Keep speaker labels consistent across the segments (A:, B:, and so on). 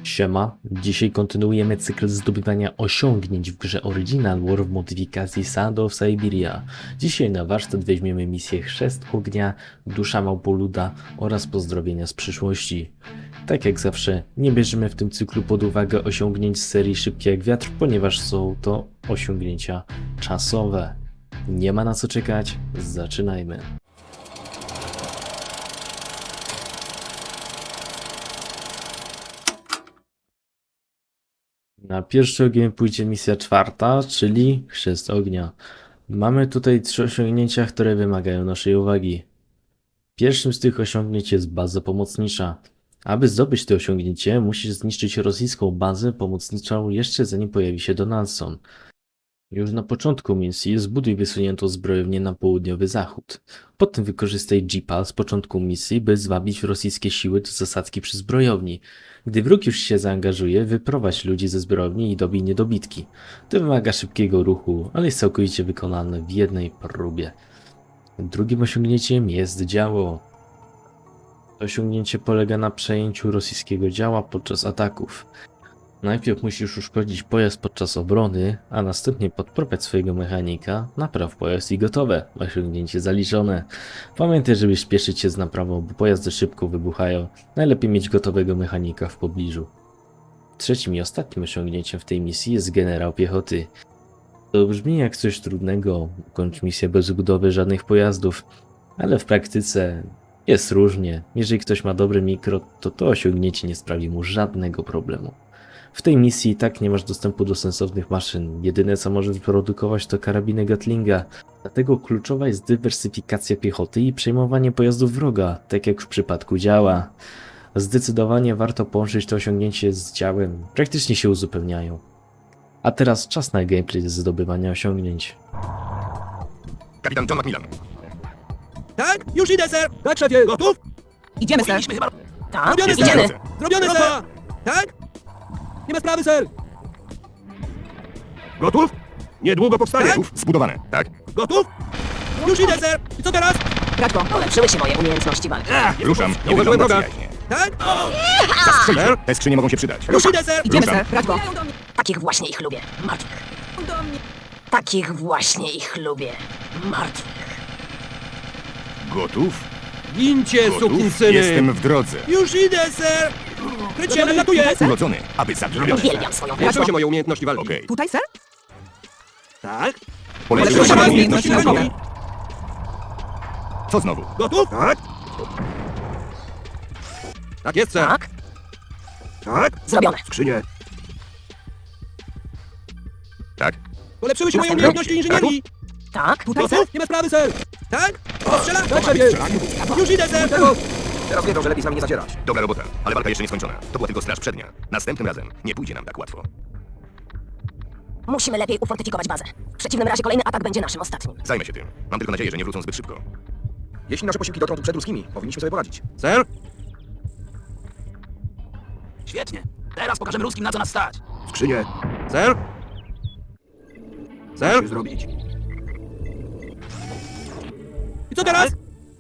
A: Siema, dzisiaj kontynuujemy cykl zdobywania osiągnięć w grze Original War w modyfikacji Sand of Siberia. Dzisiaj na warsztat weźmiemy misję Chrzest Ognia, Dusza Małpoluda oraz Pozdrowienia z przyszłości. Tak jak zawsze, nie bierzemy w tym cyklu pod uwagę osiągnięć z serii Szybki jak wiatr, ponieważ są to osiągnięcia czasowe. Nie ma na co czekać, zaczynajmy. Na pierwszy ogień pójdzie misja czwarta, czyli Chrzest Ognia. Mamy tutaj 3 osiągnięcia, które wymagają naszej uwagi. Pierwszym z tych osiągnięć jest baza pomocnicza. Aby zdobyć to osiągnięcie, musisz zniszczyć rosyjską bazę pomocniczą jeszcze zanim pojawi się Donaldson. Już na początku misji zbuduj wysuniętą zbrojownię na południowy zachód. Potem wykorzystaj jeepa z początku misji, by zwabić rosyjskie siły do zasadzki przy zbrojowni. Gdy wróg już się zaangażuje, wyprowadź ludzi ze zbrojowni i dobij niedobitki. To wymaga szybkiego ruchu, ale jest całkowicie wykonane w jednej próbie. Drugim osiągnięciem jest działo. To osiągnięcie polega na przejęciu rosyjskiego działa podczas ataków. Najpierw musisz uszkodzić pojazd podczas obrony, a następnie podprowadzić swojego mechanika, napraw pojazd i gotowe. Osiągnięcie zaliczone. Pamiętaj, żeby śpieszyć się z naprawą, bo pojazdy szybko wybuchają. Najlepiej mieć gotowego mechanika w pobliżu. Trzecim i ostatnim osiągnięciem w tej misji jest generał piechoty. To brzmi jak coś trudnego, kończ misję bez budowy żadnych pojazdów, ale w praktyce jest różnie. Jeżeli ktoś ma dobre mikro, to osiągnięcie nie sprawi mu żadnego problemu. W tej misji i tak nie masz dostępu do sensownych maszyn. Jedyne co możesz wyprodukować to karabiny Gatlinga. Dlatego kluczowa jest dywersyfikacja piechoty i przejmowanie pojazdów wroga, tak jak w przypadku działa. Zdecydowanie warto połączyć to osiągnięcie z działem. Praktycznie się uzupełniają. A teraz czas na gameplay z zdobywania osiągnięć.
B: Kapitan John Macmillan.
C: Tak? Już idę, ser! Tak, szefie! Gotów?
D: Idziemy, ser.
B: Powinniśmy chyba...
D: Tak,
C: Zrobione,
D: idziemy.
C: ser! Zrobione, ser! Tak? Nie ma sprawy, ser!
B: Gotów? Niedługo powstanie.
C: Tak?
B: Gotów? Zbudowane. Tak.
C: Gotów? Już idę, ser! I co teraz?
D: Radko, polepszyły się moje umiejętności walki.
B: Ruszam. Nie
C: uważałem
B: wygląda
C: droga.
B: przyjaźnie.
C: Tak?
B: Zastrzelić. Te skrzynie mogą się przydać.
C: Już idę, ser!
D: Idziemy,
B: Ruszam.
D: ser. Radko. Takich właśnie ich lubię. Martwych. Takich właśnie ich lubię. Martwych.
B: Gotów?
C: Gincie,
B: Gotów?
C: sukinsyny!
B: Jestem w drodze.
C: Już idę, ser! Krycie, latuję!
B: Urodzony, aby zabić.
D: Uwielbiam swoją
C: Polepszyły
D: pracę.
C: się moje umiejętności walki.
B: Okej.
D: Tutaj, ser?
C: Tak?
B: Polepszyły się moje umiejętności
D: naukowe.
B: naukowe. Co znowu?
C: Gotów? Tak? Tak jest, ser!
D: Tak.
C: Tak?
D: Zrobione.
C: Skrzynie.
B: Tak.
C: Polepszyły się moje
D: Następny.
C: umiejętności inżynierii!
D: Tak. Tutaj, ser.
C: Gotów? Nie ma sprawy, ser! Tak? Strzela? Tak, szefie! Już idę, ser!
B: Teraz wiedzą, że lepiej z nami nie zacierać. Dobra robota, ale walka jeszcze nie skończona. To była tylko straż przednia. Następnym razem nie pójdzie nam tak łatwo.
D: Musimy lepiej ufortyfikować bazę. W przeciwnym razie kolejny atak będzie naszym ostatnim.
B: Zajmę się tym. Mam tylko nadzieję, że nie wrócą zbyt szybko.
E: Jeśli nasze posiłki dotrą tu przed ruskimi, powinniśmy sobie poradzić.
C: Ser?
F: Świetnie. Teraz pokażemy ruskim, na co nas stać.
E: Skrzynie,
C: Ser?
E: co
C: Ser?
E: się zrobić?
C: I co teraz?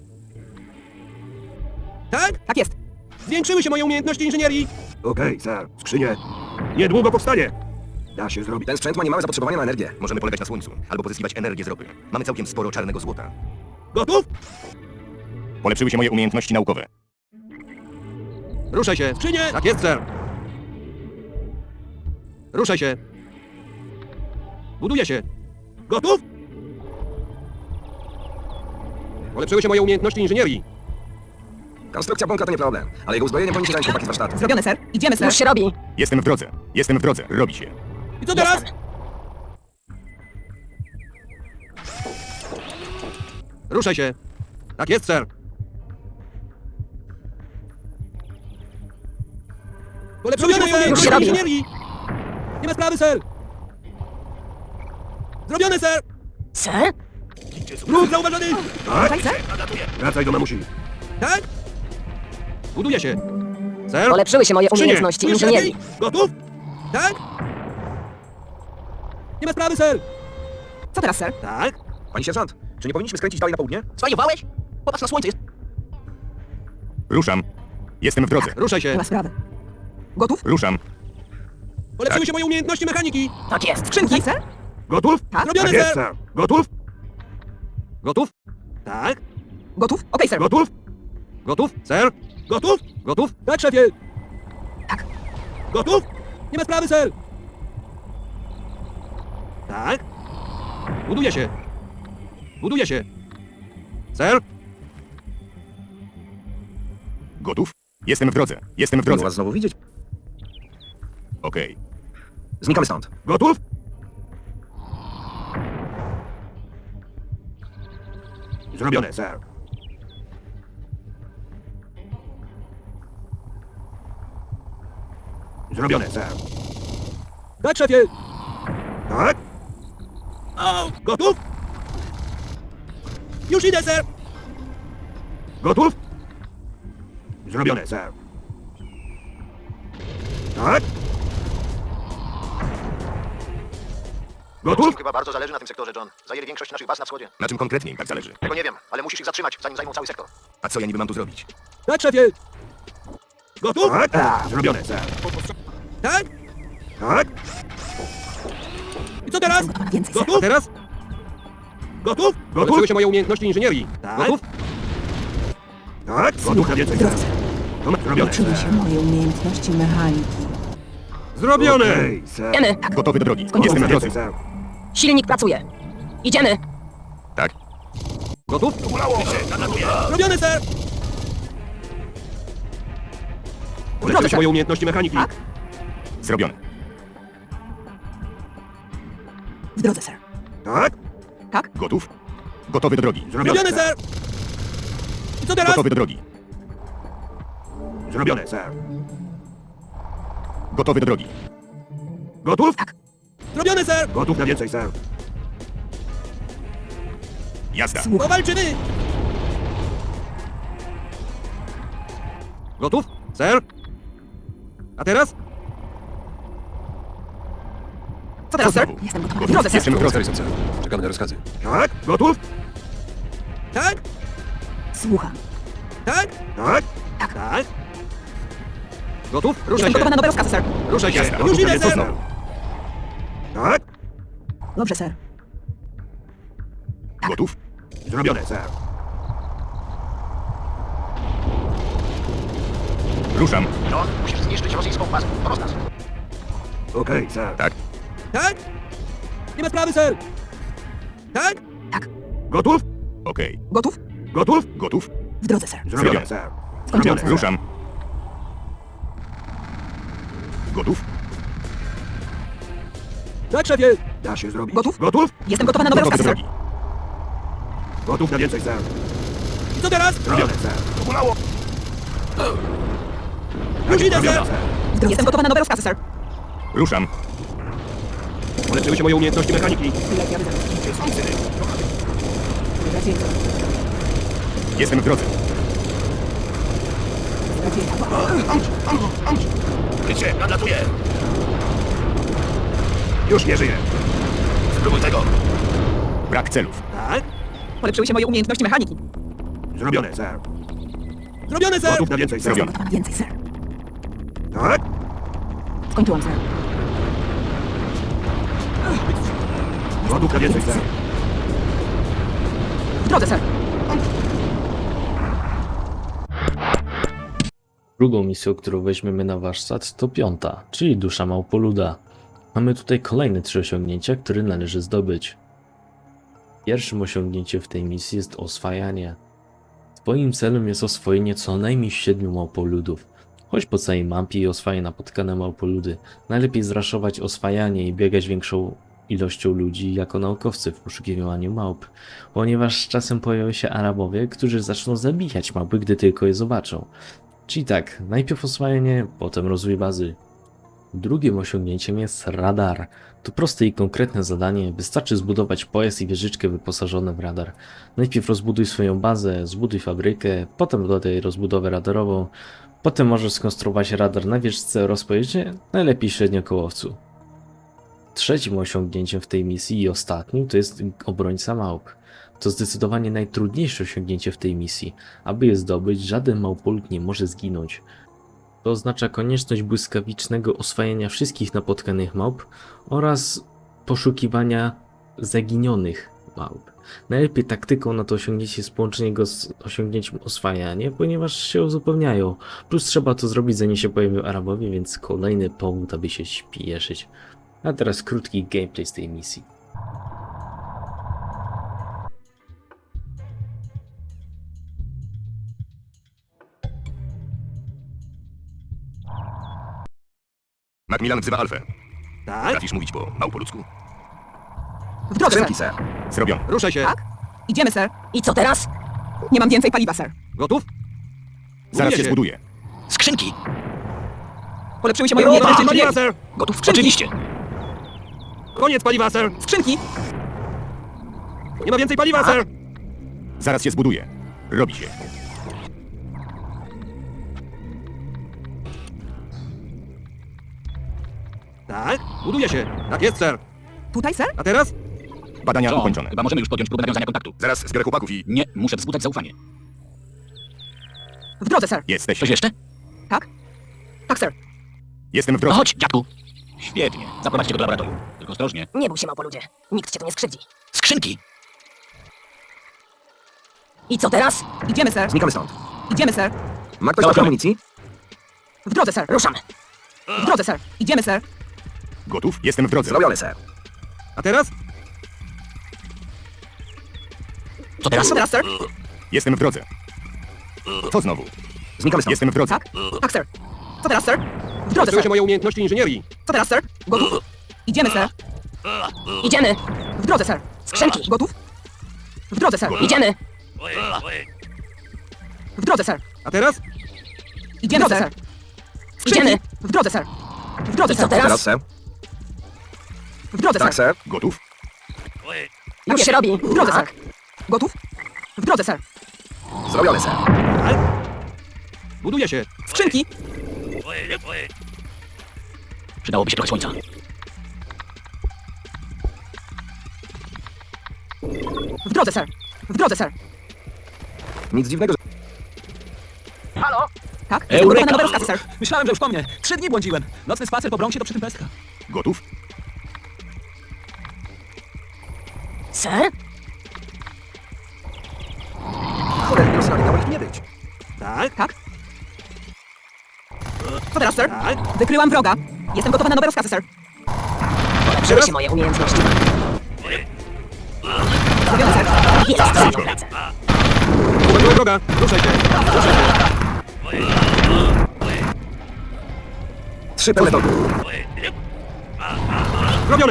C: Tak?
D: Tak jest.
C: Zwiększyły się moje umiejętności inżynierii!
E: Okej, sir. Skrzynie,
C: Niedługo powstanie!
E: da się zrobić.
B: Ten sprzęt ma niemałe zapotrzebowanie na energię. Możemy polegać na słońcu, albo pozyskiwać energię z ropy. Mamy całkiem sporo czarnego złota.
C: Gotów?
B: Polepszyły się moje umiejętności naukowe.
C: Ruszaj się! Skrzynie! Tak jest, ser! Ruszaj się! Buduję się! Gotów? Polepszyły się moje umiejętności inżynierii!
E: Konstrukcja bunkra to nie problem, ale jego uzbrojenie powinni się zająć chłopaki z warsztatu.
D: Zrobione, ser. Idziemy, ser. Już się robi.
B: Jestem w drodze. Jestem w drodze. Robi się.
C: I co teraz?
D: Jestem.
C: Ruszaj się! Tak jest, ser! Polepszyły się moje umiejętności
D: robi.
C: inżynierii! Nie ma sprawy, ser! Zrobione, ser!
D: Ser?
C: Ruch zauważony!
D: Tutaj, ser.
E: Wracaj do mamusi.
C: Tak? Buduję się! Ser?
D: Polepszyły się moje
C: Skrzynie!
D: umiejętności
C: Czujesz
D: inżynierii.
C: lepiej? Gotów? Tak? Nie ma sprawy, ser!
D: Co teraz, ser?
C: Tak?
E: Pani sierżant, czy nie powinniśmy skręcić dalej na południe?
F: Zwariowałeś? Popatrz na słońce, jest...
B: Ruszam. Jestem w drodze.
C: Ruszaj się!
D: Nie ma sprawy. Gotów?
B: Ruszam.
C: Polepszyły się moje umiejętności mechaniki.
D: Tak jest. Skrzynki? Ser?
E: Gotów?
D: Tak.
C: Zrobione,
E: jest,
C: ser.
E: sir. Gotów?
C: Gotów? Tak.
D: Gotów? Okej, ser.
E: Gotów?
C: Gotów? Ser. Gotów? Gotów? Tak, szefie.
D: Tak.
C: Gotów? Nie ma sprawy, ser. Tak. Buduje się. Buduje się. Ser.
B: Gotów? Jestem w drodze. Jestem w
E: Miło
B: drodze.
E: was znowu widzieć.
B: Okej.
E: Znikamy stąd.
C: Gotów?
E: Zrobione, sir. Zrobione, sir.
C: Tak, szefie.
E: Tak?
C: O, gotów? Już idę, ser.
E: Gotów? Zrobione, sir. Tak? Gotów?
G: Chyba bardzo zależy na tym sektorze, John. Zajęli większość naszych baz na wschodzie.
B: Na czym konkretnie im tak zależy?
G: Tego nie wiem, ale musisz ich zatrzymać, zanim zajmą cały sektor.
B: A co ja niby mam tu zrobić?
C: Tak, szefie. Gotów?
E: Tak? Zrobione, sir.
C: Tak?
E: Tak?
C: I co teraz?
D: Więcej, ser.
C: Gotów? Teraz? Gotów? Polepszyły się moje umiejętności inżynierii. Gotów?
E: Tak? Gotów na więcej, sir. Zrobione,
H: Uczyły
E: sir.
H: się moje umiejętności mechaniki.
C: Zrobione!
E: Okej, sir.
D: Idziemy. Tak.
B: Gotowy do drogi.
D: Skończyłem.
B: Jestem
E: Na
B: w drodze.
E: więcej, sir.
D: Silnik pracuje. Idziemy.
B: Tak?
C: Gotów? Zrobione, ser. Polepszyły się moje umiejętności mechaniki.
D: Tak?
B: Zrobione.
H: W drodze, ser.
E: Tak?
B: Gotów? Gotowy do drogi.
E: Zrobione,
C: Zrobione,
E: sir.
C: ser. I co teraz?
B: Gotowy do drogi.
E: Zrobione, sir.
B: Gotowy do drogi.
E: Gotów?
C: Zrobione, ser.
E: Gotów na więcej, sir.
B: Jazda.
C: Powalczymy. Gotów? Ser. A teraz?
D: Co teraz,
B: Co
D: ser?
B: znowu?
D: Jestem gotowa. W
B: Gotów?
D: drodze, ser.
B: Jestem w drodze.
C: Czekamy na rozkazy.
E: Tak? Gotów?
C: Tak?
H: Słucham.
C: Tak?
E: Tak?
C: Tak? Gotów? Ruszaj
D: Jestem
C: się.
D: gotowa na nowe rozkazy, ser.
C: Ruszaj się.
B: Jazda.
C: Już
E: Gotów na
C: idę,
E: więcej,
C: ser.
E: sir. Tak?
H: Dobrze, ser.
B: Gotów?
E: Zrobione, sir.
B: Ruszam.
G: John, musisz zniszczyć rosyjską bazę. To rozkaz.
E: Okej, sir.
B: Tak?
C: Tak? Nie ma sprawy, ser. Tak?
E: Gotów?
B: Okej.
D: Gotów?
E: Gotów?
B: Gotów?
H: W drodze, ser.
E: Zrobione, sir.
D: Skończyłem,
E: Zrobione,
D: ser.
E: sir.
B: Ruszam. Gotów?
C: Tak, szefie.
E: Da się zrobić.
D: Gotów?
E: Gotów?
D: Jestem gotowa na nowe
B: Gotowy do
D: rozkazy, ser.
B: drogi.
E: Gotów na więcej, sir.
C: I co teraz?
E: Zrobione, sir.
C: Już idę, ser.
D: W drodze. Jestem gotowa na nowe rozkazy, ser.
B: Ruszam.
C: Polepszyły się moje umiejętności mechaniki.
H: Lepiej, aby Raczej to.
B: Jestem w drodze.
H: Raczej to.
B: Krycie, nadlatuję.
E: Już nie żyję.
B: Spróbuj tego. Brak celów.
C: Tak?
D: Polepszyły się moje umiejętności mechaniki.
E: Zrobione, sir.
C: Zrobione, ser.
E: Gotów na więcej, sir.
B: Zrobione.
H: Gotowa na więcej, ser.
E: Tak?
H: Skończyłam, ser.
E: Gotów na więcej, sir.
D: W drodze, ser.
A: Drugą misją, którą weźmiemy na warsztat, to 5, czyli Dusza Małpoluda. Mamy tutaj kolejne 3 osiągnięcia, które należy zdobyć. Pierwszym osiągnięciem w tej misji jest oswajanie. Twoim celem jest oswojenie co najmniej 7 małpoludów. Chodź po całej mapie i oswajaj napotkane małpoludy. Najlepiej zraszować oswajanie i biegać większą ilością ludzi jako naukowcy w poszukiwaniu małp, ponieważ z czasem pojawią się Arabowie, którzy zaczną zabijać małpy, gdy tylko je zobaczą. Czyli tak, najpierw oswajanie, potem rozwój bazy. Drugim osiągnięciem jest radar. To proste i konkretne zadanie, wystarczy zbudować pojazd i wieżyczkę wyposażone w radar. Najpierw rozbuduj swoją bazę, zbuduj fabrykę, potem dodaj rozbudowę radarową, potem możesz skonstruować radar na wieżyczce oraz pojeździe, najlepiej średniokołowcu. Trzecim osiągnięciem w tej misji i ostatnim to jest obrońca małp. To zdecydowanie najtrudniejsze osiągnięcie w tej misji. Aby je zdobyć, żaden małpolud nie może zginąć. To oznacza konieczność błyskawicznego oswajania wszystkich napotkanych małp oraz poszukiwania zaginionych małp. Najlepiej taktyką na to osiągnięcie jest połączenie go z osiągnięciem oswajania, ponieważ się uzupełniają. Plus trzeba to zrobić, zanim się pojawią Arabowie, więc kolejny powód, aby się śpieszyć. A teraz krótki gameplay z tej misji.
B: Macmillan wzywa Alfę.
C: Tak?
B: Potrafisz mówić po małpoludzku?
H: W drodze,
E: Skrzynki,
H: sir.
E: sir.
B: Zrobione.
C: Ruszaj się.
H: Tak? Idziemy, sir.
D: I co teraz?
H: Nie mam więcej paliwa, sir.
C: Gotów?
B: Zaraz się
C: Buduje
B: zbuduje.
F: Skrzynki!
H: Polepszyły się moje
C: Koniec
H: umiejętności
C: paliwa,
H: inżynierii.
C: sir!
F: Gotów?
H: Skrzynki.
F: Oczywiście!
C: Koniec paliwa, sir!
H: Skrzynki!
C: Nie ma więcej paliwa, sir!
B: Zaraz się zbuduje. Robi się.
C: Tak? Buduje się. Tak jest, sir.
H: Tutaj, sir?
C: A teraz?
B: Badania
F: John,
B: ukończone.
F: chyba możemy już podjąć próbę nawiązania kontaktu.
B: Zaraz zbiorę chłopaków i...
F: Nie, muszę wzbudzać zaufanie.
H: W drodze, sir.
B: Jesteś.
F: Coś jeszcze?
H: Tak? Tak, sir.
B: Jestem w
F: No
B: drodze.
F: chodź, dziadku! Świetnie. Zaprowadźcie go do laboratorium. Tylko ostrożnie.
D: Nie bój się, małpoludzie. Nikt cię tu nie skrzywdzi.
F: Skrzynki!
D: I co teraz?
H: Idziemy, sir.
E: Znikamy stąd.
H: Idziemy, sir.
E: Ma ktoś trochę
F: Zobaczymy.
E: amunicji?
H: W drodze, sir.
D: Ruszamy.
H: W drodze, sir. Idziemy, sir.
B: Gotów? Jestem w drodze.
E: Zrobione, sir.
C: A teraz?
F: Co teraz?
H: Co teraz, sir?
B: Jestem w drodze. Co znowu?
E: Znikamy stąd.
B: Jestem w drodze.
H: Tak? Tak, sir. Co teraz, sir? W drodze,
C: Polepszyły się
H: sir.
C: moje umiejętności inżynierii.
H: Co teraz, sir? Gotów? Idziemy, sir.
D: Idziemy.
H: W drodze, sir.
D: Skrzynki.
H: Gotów? W drodze, sir.
D: Idziemy.
H: W drodze, sir.
C: A teraz?
H: Idziemy, sir.
D: Idziemy.
H: W drodze, sir. W drodze,
D: I co
H: sir.
D: teraz?
E: Teraz, sir.
H: W drodze,
E: Tak,
H: sir.
E: sir.
B: Gotów?
D: Już się robi.
H: W drodze,
D: Tak.
H: sir. Gotów? W drodze, sir.
E: Zrobione, sir.
C: Tak? Buduje się.
H: Skrzynki!
F: Przydałoby się trochę słońca.
H: W drodze, sir. W drodze, sir.
E: Nic dziwnego, że...
G: Halo?
H: Tak? Jestem gotowa na
F: Eureka!
H: nowe rozkazy, sir.
F: Myślałem, że już po mnie. 3 dni błądziłem. Nocny spacer po Bronxie to przy tym pestka.
B: Gotów?
D: Sir?
E: Cholernie Rosjanie, miało ich nie być.
C: Tak?
H: Tak? Co teraz, sir?
C: Tak?
H: Wykryłam wroga. Jestem gotowa na nowe rozkazy, sir.
D: Polepszyły się moje umiejętności.
H: Zrobione, sir.
D: Jest za mną pracę.
C: Uwaga, droga! Ruszaj się! Ruszaj się!
E: 3 pełne torby.
C: Zrobione!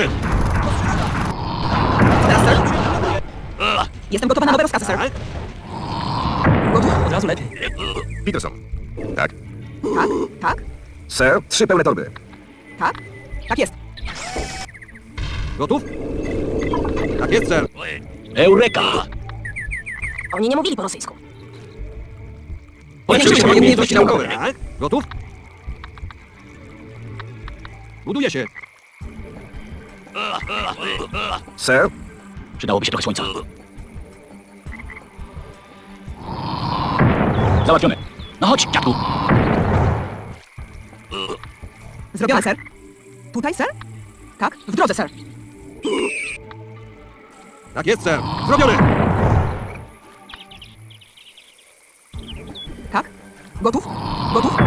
H: Co teraz, sir? Jestem gotowa na nowe rozkazy, sir.
C: Tak?
H: Gotów?
F: Od razu lepiej.
B: Peterson. Tak?
H: Tak? Tak?
E: Sir, 3 pełne torby.
H: Tak? Tak jest.
C: Gotów? Tak jest, sir.
F: Eureka!
D: Oni nie mówili po rosyjsku.
F: Polepszyły się moje umiejętności naukowe.
C: Tak? Gotów? Buduje się.
E: Sir,
F: Przydałoby się trochę słońca. Załatwione. No chodź, dziadku!
H: Zrobione, sir. Tutaj, sir? Tak? W drodze, sir.
C: Tak jest, sir. Zrobione!
H: Tak? Gotów? Gotów?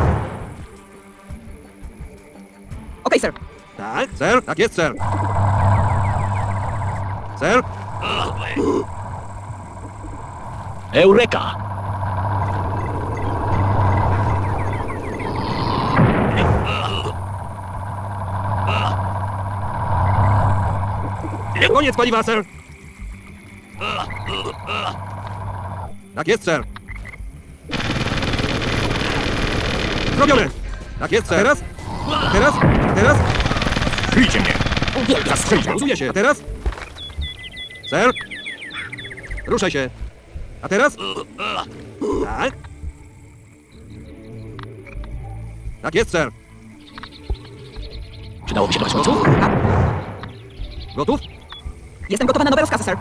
H: Okej, sir.
C: Tak? Sir? Tak jest, sir. Sir?
F: Eureka!
C: Koniec paliwa, sir. Tak jest, sir. Zrobione! Tak jest, sir. Teraz? Teraz? Teraz?
B: Kryjcie mnie!
D: Uwielbiam
B: Zastrzelić
C: Buduje się. Teraz? Sir? Ruszaj się. A teraz? Tak? Tak jest, sir.
F: Przydałoby się trochę słońca.
H: Gotów? Tak?
C: Gotów?
H: Jestem gotowa na nowe rozkazy, sir.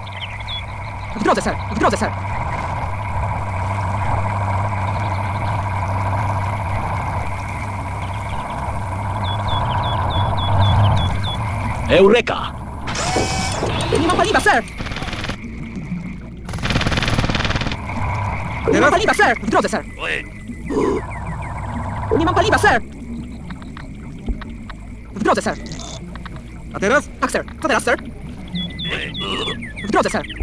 H: W drodze, sir. W drodze, sir.
F: Eureka!
H: Nie mam paliwa, sir! Nie mam paliwa, sir! W drodze, sir! Nie mam paliwa, sir! W drodze, sir!
C: A teraz?
H: Tak, sir. Co teraz, sir? W drodze, sir.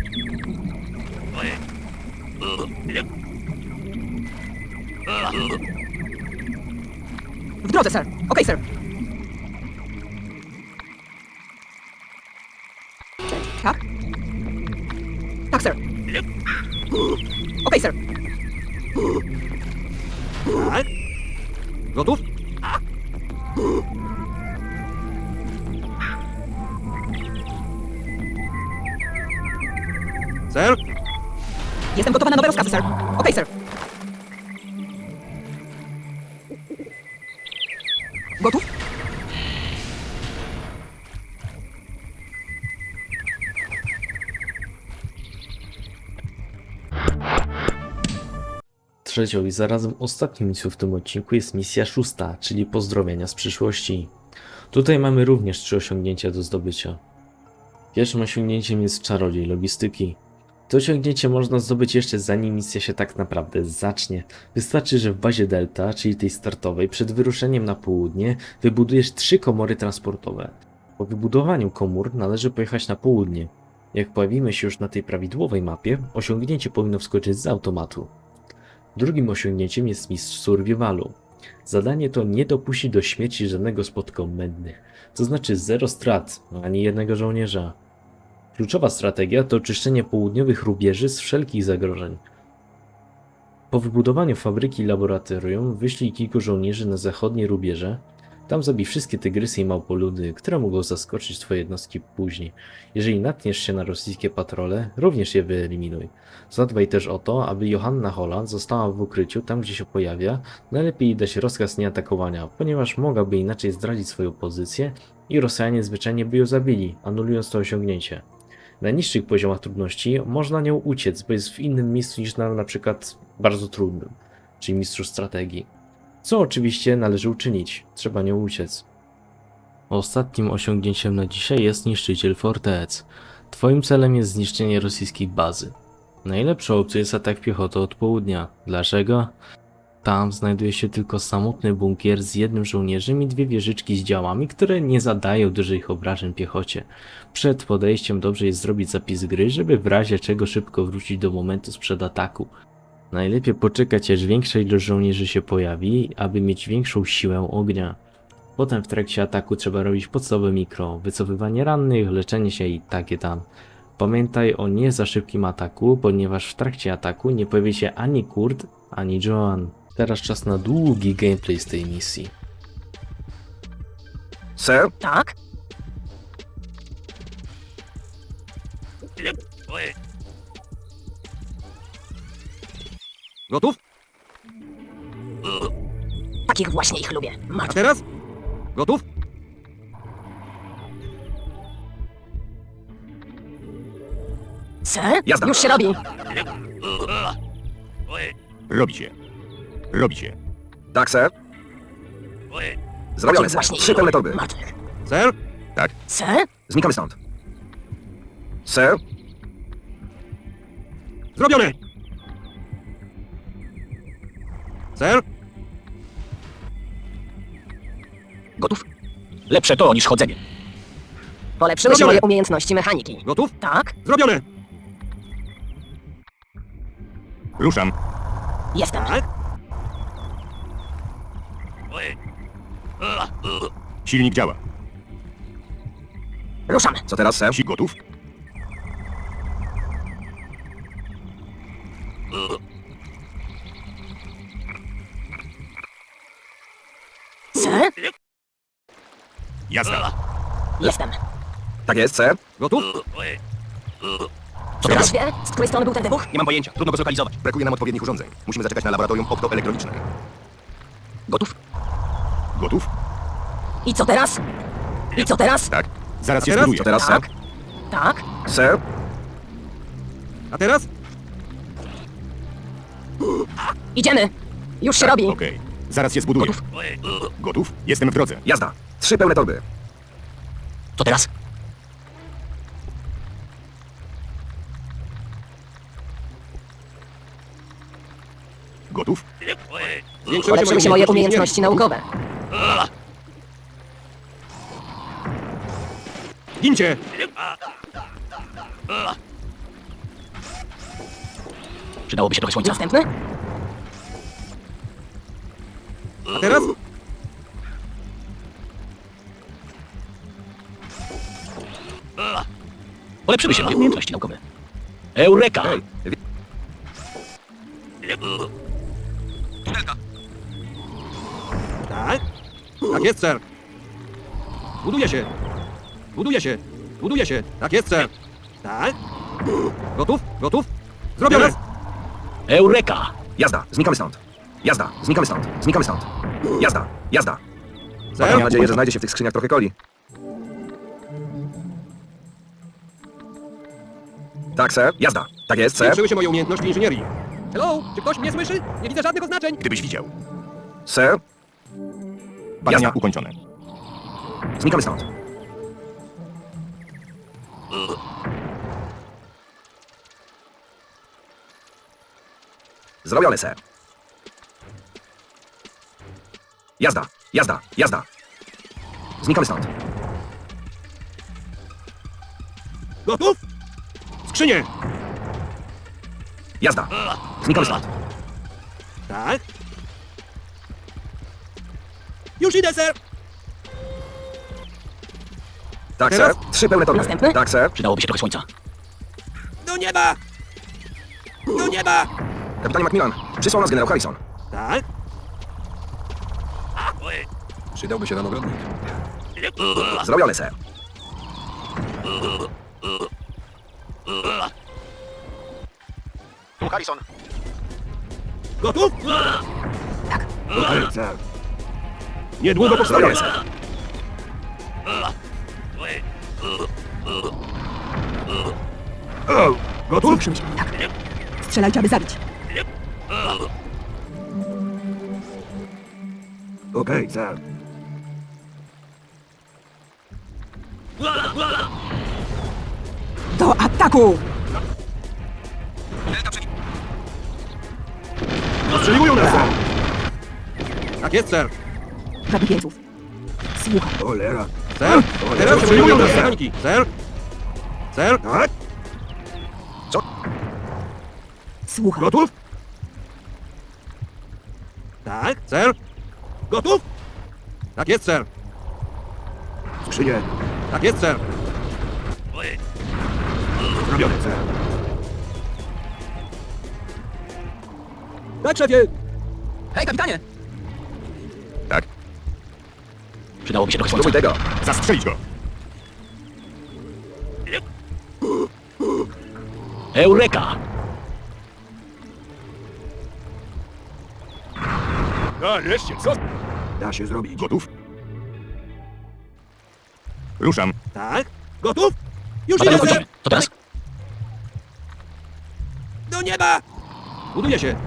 H: W drodze, sir. Okej, sir. Tak? Tak, sir. Okej, sir.
C: Tak. Gotów? Ser?
H: Jestem gotowa na nowe rozkazy, sir. Okej, sir. Gotów?
A: Trzecią i zarazem ostatnią misją w tym odcinku jest misja 6, czyli pozdrowienia z przyszłości. Tutaj mamy również 3 osiągnięcia do zdobycia. Pierwszym osiągnięciem jest czarodziej logistyki. To osiągnięcie można zdobyć jeszcze zanim misja się tak naprawdę zacznie. Wystarczy, że w bazie Delta, czyli tej startowej, przed wyruszeniem na południe wybudujesz 3 komory transportowe. Po wybudowaniu komór należy pojechać na południe. Jak pojawimy się już na tej prawidłowej mapie, osiągnięcie powinno wskoczyć z automatu. Drugim osiągnięciem jest mistrz survivalu. Zadanie to nie dopuści do śmierci żadnego z podkomendnych, to znaczy 0 strat, ani jednego żołnierza. Kluczowa strategia to oczyszczenie południowych rubieży z wszelkich zagrożeń. Po wybudowaniu fabryki i laboratorium wyślij kilku żołnierzy na zachodnie rubieże. Tam zabij wszystkie tygrysy i małpoludy, które mogą zaskoczyć twoje jednostki później. Jeżeli natkniesz się na rosyjskie patrole, również je wyeliminuj. Zadbaj też o to, aby Johanna Holland została w ukryciu tam, gdzie się pojawia. Najlepiej dać rozkaz nieatakowania, ponieważ mogłaby inaczej zdradzić swoją pozycję i Rosjanie zwyczajnie by ją zabili, anulując to osiągnięcie. Na niższych poziomach trudności można nią uciec, bo jest w innym miejscu niż na przykład bardzo trudnym, czyli mistrzu strategii. Co oczywiście należy uczynić, trzeba nią uciec. Ostatnim osiągnięciem na dzisiaj jest niszczyciel fortec. Twoim celem jest zniszczenie rosyjskiej bazy. Najlepszą opcją jest atak piechotą od południa. Dlaczego? Tam znajduje się tylko samotny bunkier z jednym żołnierzem i 2 wieżyczki z działami, które nie zadają dużych obrażeń piechocie. Przed podejściem dobrze jest zrobić zapis gry, żeby w razie czego szybko wrócić do momentu sprzed ataku. Najlepiej poczekać, aż większa ilość żołnierzy się pojawi, aby mieć większą siłę ognia. Potem w trakcie ataku trzeba robić podstawowe mikro, wycofywanie rannych, leczenie się i takie tam. Pamiętaj o nie za szybkim ataku, ponieważ w trakcie ataku nie pojawi się ani Kurt, ani Joan. Teraz czas na długi gameplay z tej misji.
E: Sir?
D: Tak?
C: Gotów?
D: Takich właśnie ich lubię.
C: A
D: Martwych.
C: teraz? Gotów?
D: Sir?
E: Jazda.
D: Już się robi.
F: Robi się. Robi się.
E: Tak, sir. Zrobione,
D: Takich
E: sir.
D: właśnie ich
E: 3 pełne
D: lubię.
E: torby.
D: Martwych.
C: Ser?
F: Tak.
D: Sir?
E: Znikamy stąd. Sir?
C: Zrobione! Ser?
D: Gotów?
F: Lepsze to niż chodzenie.
D: Polepszyły się
C: Zrobione.
D: moje umiejętności mechaniki.
C: Gotów?
D: Tak?
C: Zrobione!
F: Ruszam.
D: Jestem.
C: Tak?
F: Silnik działa.
D: Ruszam.
E: Co teraz, sir?
F: Si gotów?
D: Sir?
F: Jazda.
D: Jestem.
E: Tak jest, sir.
C: Gotów?
D: Co teraz wie? Z której strony był ten wybuch?
F: Nie mam pojęcia. Trudno go zlokalizować.
B: Brakuje nam odpowiednich urządzeń. Musimy zaczekać na laboratorium optoelektroniczne.
D: Gotów?
F: Gotów?
D: I co teraz? I co teraz?
F: Tak. Zaraz się
C: teraz?
F: zbuduję.
E: Co teraz, sir?
D: Tak? Tak?
E: Sir?
C: A teraz?
D: Idziemy. Już się
F: Tak,
D: robi.
F: Okej. Zaraz się zbuduję. Gotów? Jestem w drodze.
E: Jazda. 3 pełne torby.
F: Co teraz?
B: Gotów?
D: Polepszyły się moje umiejętności naukowe.
C: Gincie!
F: Przydałoby się trochę słońca.
D: Następny?
C: A teraz?
F: Polepszyły się moje umiejętności naukowe. Eureka!
E: Hej,
C: Tak? Tak jest, ser. Buduje się. Buduje się. Buduje się. Tak jest, ser. Tak? Gotów? Gotów? Zrobione!
F: Eureka!
E: jazda, znikamy stąd. Jazda, znikamy stąd. Znikamy stąd. Jazda, jazda. Mam
C: Ser?
E: nadzieję, że znajdzie się w tych skrzyniach trochę coli. Tak, sir. Jazda. Tak jest, sir.
C: Zwiększyły się moje umiejętności inżynierii. Hello? Czy ktoś mnie słyszy? Nie widzę żadnych oznaczeń.
B: Gdybyś widział.
E: Sir.
B: Badania
E: Jazda.
B: ukończone.
E: Znikamy stąd. Zrobione, sir. Jazda, jazda, jazda. Znikamy stąd.
C: Gotów? Skrzynie!
E: Jazda. Znikamy stąd.
C: Tak? Już idę, ser!
E: Tak,
C: Teraz?
E: sir. 3 pełne torby.
D: Następny?
E: Tak, sir.
F: Przydałoby się trochę słońca.
C: Do nieba! Do nieba!
E: Kapitanie Macmillan, przysłał nas generał Harrison.
C: Tak?
E: Przydałby się nam ogrodnik. Zrobione, sir.
G: Tu Harrison.
C: Gotów?
D: Tak.
C: Tak, ser. Niedługo
E: Zrobione,
C: powstaję.
E: sir.
C: Gotów?
H: Zwiększyły się. Tak. Strzelajcie, aby zabić.
C: Okej, ser.
H: Do ataku!
C: Ostrzeliwują nas, ser. Tak jest, ser.
H: Zabij jeńców. Słucham.
C: Cholera. Ser? Teraz ostrzeliwują nas, ser. Ser? Ser? Tak?
H: Słucham.
C: Gotów? Tak, ser. Gotów? Tak jest, ser. Skrzynie. Tak jest, ser. Zrobione, ser. Tak, szefie.
G: Hej, kapitanie!
B: Tak?
F: Przydałoby się trochę słońca.
E: Spróbuj tego.
B: Zastrzelić go!
F: Eureka!
B: Nareszcie, co?
C: Da się zrobić.
B: Gotów? Ruszam.
C: Tak? Gotów? Już
F: Badania
C: idę, ser.
F: ukończone. Co teraz?
C: Do nieba! Buduje się.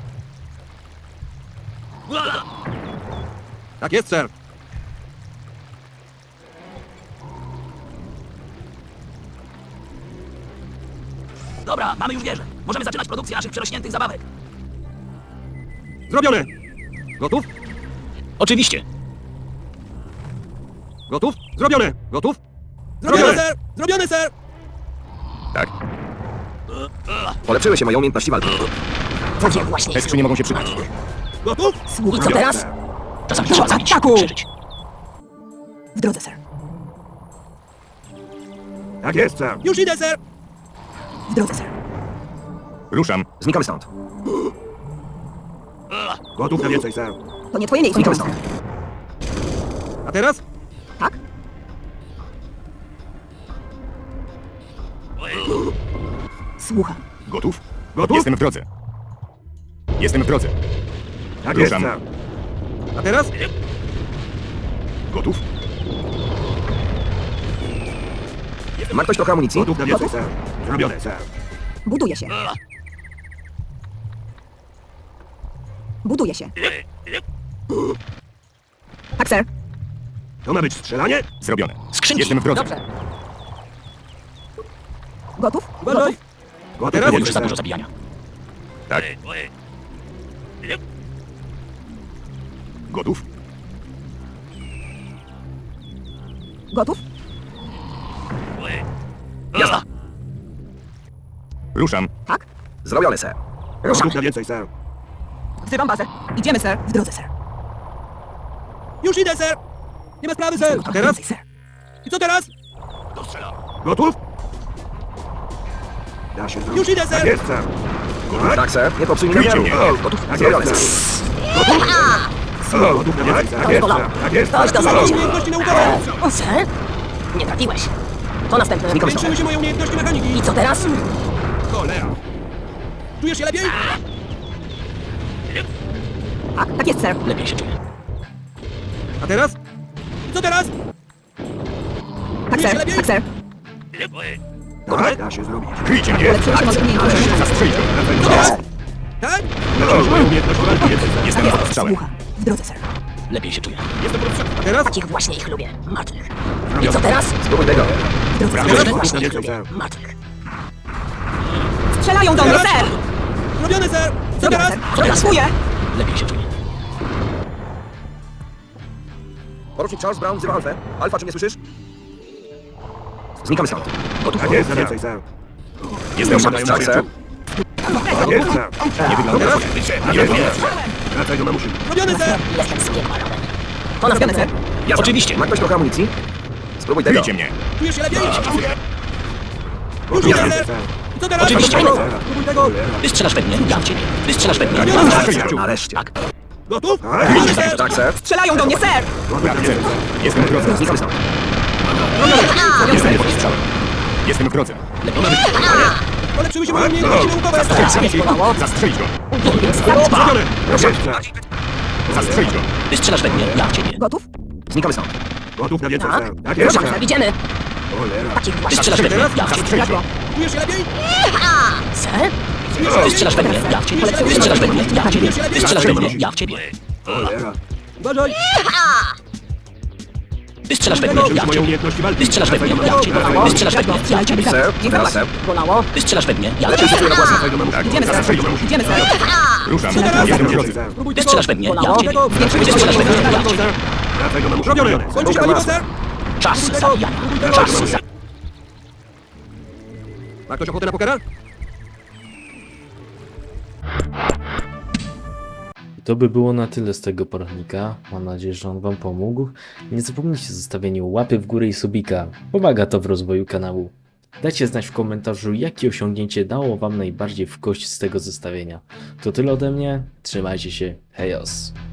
C: Tak jest, ser.
F: Dobra, mamy już wieżę. Możemy zaczynać produkcję naszych przerośniętych zabawek.
C: Zrobione. Gotów?
F: Oczywiście.
C: Gotów? Zrobione. Gotów? Zrobione, ser. Zrobione, ser.
B: Tak.
E: Polepszyły się moje umiejętności walki.
D: Takie właśnie
B: Te
D: ich
B: skrzynie mogą się przydać.
C: Gotów?
D: I
H: Słucham.
D: co teraz?
F: Czasami
H: Do
F: trzeba zabić,
H: ataku!
F: przeżyć.
H: W drodze, ser.
C: Tak jest, ser. Już idę, ser.
H: W drodze, ser.
B: Ruszam.
E: Znikamy stąd.
C: Gotów na więcej, ser.
H: To nie twoje miejsce.
E: Znikamy stąd.
C: A teraz?
H: Tak? Słucham.
B: Gotów?
C: Gotów?
B: Jestem w drodze. Jestem w drodze.
C: Tak
B: Ruszam.
C: jest, ser. A teraz?
B: Gotów?
E: Ma ktoś trochę amunicji?
C: Gotów na więcej, ser. Zrobione, ser.
H: Buduje się. Buduje się. Tak, ser.
C: To ma być strzelanie?
B: Zrobione.
F: Skrzynki.
B: Jestem w drodze.
D: Dobrze.
H: Gotów?
C: Uważaj! A teraz
F: Już za dużo zabijania.
B: Tak. Gotów?
H: Gotów?
B: Jazda. Ruszam.
H: Tak?
E: Zrobione, ser.
C: Gotów na więcej, sir.
H: Wzywam bazę. Idziemy, ser. W drodze, ser.
C: Już idę, sir! Nie ma sprawy, sir! A teraz?
H: Więcej, ser.
C: I co teraz? Gotów? Da się Już idę, sir! Jest, sir.
E: Tak, ser. Nie popsuj mi
B: Kryjcie
E: namiaru.
B: mnie.
E: Gotów? Zrobione, ser.
C: Gotów na więcej, sir.
D: To bolało. Ktoś to zaliczył.
C: Umiejętności naukowe!
D: Ser? Nie trafiłeś. To następne.
E: Znikam
C: Zwiększyły się moje umiejętności mechaniki!
D: I co teraz?
C: Cholera! Czujesz się lepiej?
H: Tak, tak jest, ser.
F: Lepiej się czuję.
C: A teraz? I co teraz?
H: Tak, ser. Tak, ser.
C: Tak? Da się zrobić.
B: Kryjcie mnie.
H: Ulepszyły się moje umiejętności.
B: Zastrzelić go.
C: Tak?
B: Moje umiejętności walki. Jestem pod strzałem.
H: Słucha. W drodze, ser.
F: Lepiej się czuję.
C: A teraz?
D: Takich właśnie ich lubię. Martwych. I co teraz?
E: Spróbuj tego.
H: W drodze,
C: Teraz?
H: ser.
D: Właśnie ich
C: Więcej,
D: lubię.
C: sir.
D: Martwych.
H: Strzelają do mnie, ser.
C: Robione, sir! Co
H: Zrobione,
C: teraz?
H: ser. Przetestuję.
F: Lepiej się czuję.
E: Porucznik Charles Brown wzywa Alfę. Alfa, czy mnie słyszysz? Znikamy stąd. Gotów?
C: Tak jest, więcej, sir.
B: Jestem
E: Tak, ser.
C: Tak jest, sir.
B: Nie wygląda
C: Teraz?
B: Nie wygląda.
C: Wracaj do mamusi. Robione, sir!
D: Jestem z piekła rodem. To
H: Zrobione,
D: następne.
H: ser.
E: Jazda.
F: Oczywiście.
E: Ma ktoś trochę amunicji? Spróbuj tego.
B: Kryjcie mnie.
C: Czujesz się lepiej? Już idę, sir! I co teraz?
F: Oczywiście.
C: Spróbuj tego!
F: Ty strzelasz we mnie, ja w ciebie. Ty strzelasz we mnie,
C: Nie,
F: ja
C: nie,
F: w
C: nie.
F: ciebie.
E: Nareszcie.
F: Tak.
C: Gotów?
E: Tak, ser.
H: Strzelają do mnie, ser.
B: Jestem w drodze.
E: Znikamy stąd.
B: Jestem pod strzałem. Jestem w drodze.
C: Polepszyły się moje umiejętności naukowe!
D: Bolało.
B: Zastrzelić go.
C: Zrobione!
B: Zastrzelić go.
F: Ty strzelasz we mnie, ja w ciebie.
H: Gotów?
E: Znikamy stąd.
C: Gotów na więcej,
D: Tak?
C: sir. Tak jest,
D: Dobrze,
C: sir.
D: idziemy.
C: Cholera.
D: Takich
F: Ty
D: właśnie.
F: strzelasz we mnie, ja w ciebie.
B: Zastrzelić go.
C: Czujesz się lepiej?
D: Ser?
F: Ty strzelasz we mnie, ja w ciebie. Ty strzelasz we mnie, ja w ciebie. Ty strzelasz we mnie, ja w ciebie.
C: Cholera. Uważaj!
F: Ty strzelasz we mnie, ja w
C: Moje
F: ciebie.
C: umiejętności walki.
F: Ty strzelasz we mnie, ja w ciebie. Ty strzelasz we mnie, ja w ciebie.
E: Ser. Teraz, ser.
D: Bolało.
F: Ty strzelasz we mnie, ja w
E: Lepiej się
F: ciebie.
E: czuję na własnym.
B: Tak,
H: Idziemy, ser.
B: zastrzelić go.
H: Idziemy, ser.
B: Ruszam.
C: Teraz?
B: Jestem w drodze.
C: Spróbuj
F: Ty
C: tego!
F: strzelasz we mnie, ja w ciebie.
H: Zwiększyły
F: Ty
H: się moje
F: strzelasz we mnie, ja w
H: umiejętności.
F: ciebie.
C: Wracaj do mamusi. Robione! Kończy się paliwo, sir?
F: Czas zabijania. Czas zabijania.
C: Ma ktoś ochotę na pokera?
A: I to by było na tyle z tego poradnika. Mam nadzieję, że on wam pomógł. Nie zapomnijcie o zostawieniu łapy w górę i subika. Pomaga to w rozwoju kanału. Dajcie znać w komentarzu, jakie osiągnięcie dało wam najbardziej w kość z tego zestawienia. To tyle ode mnie. Trzymajcie się. Hejos.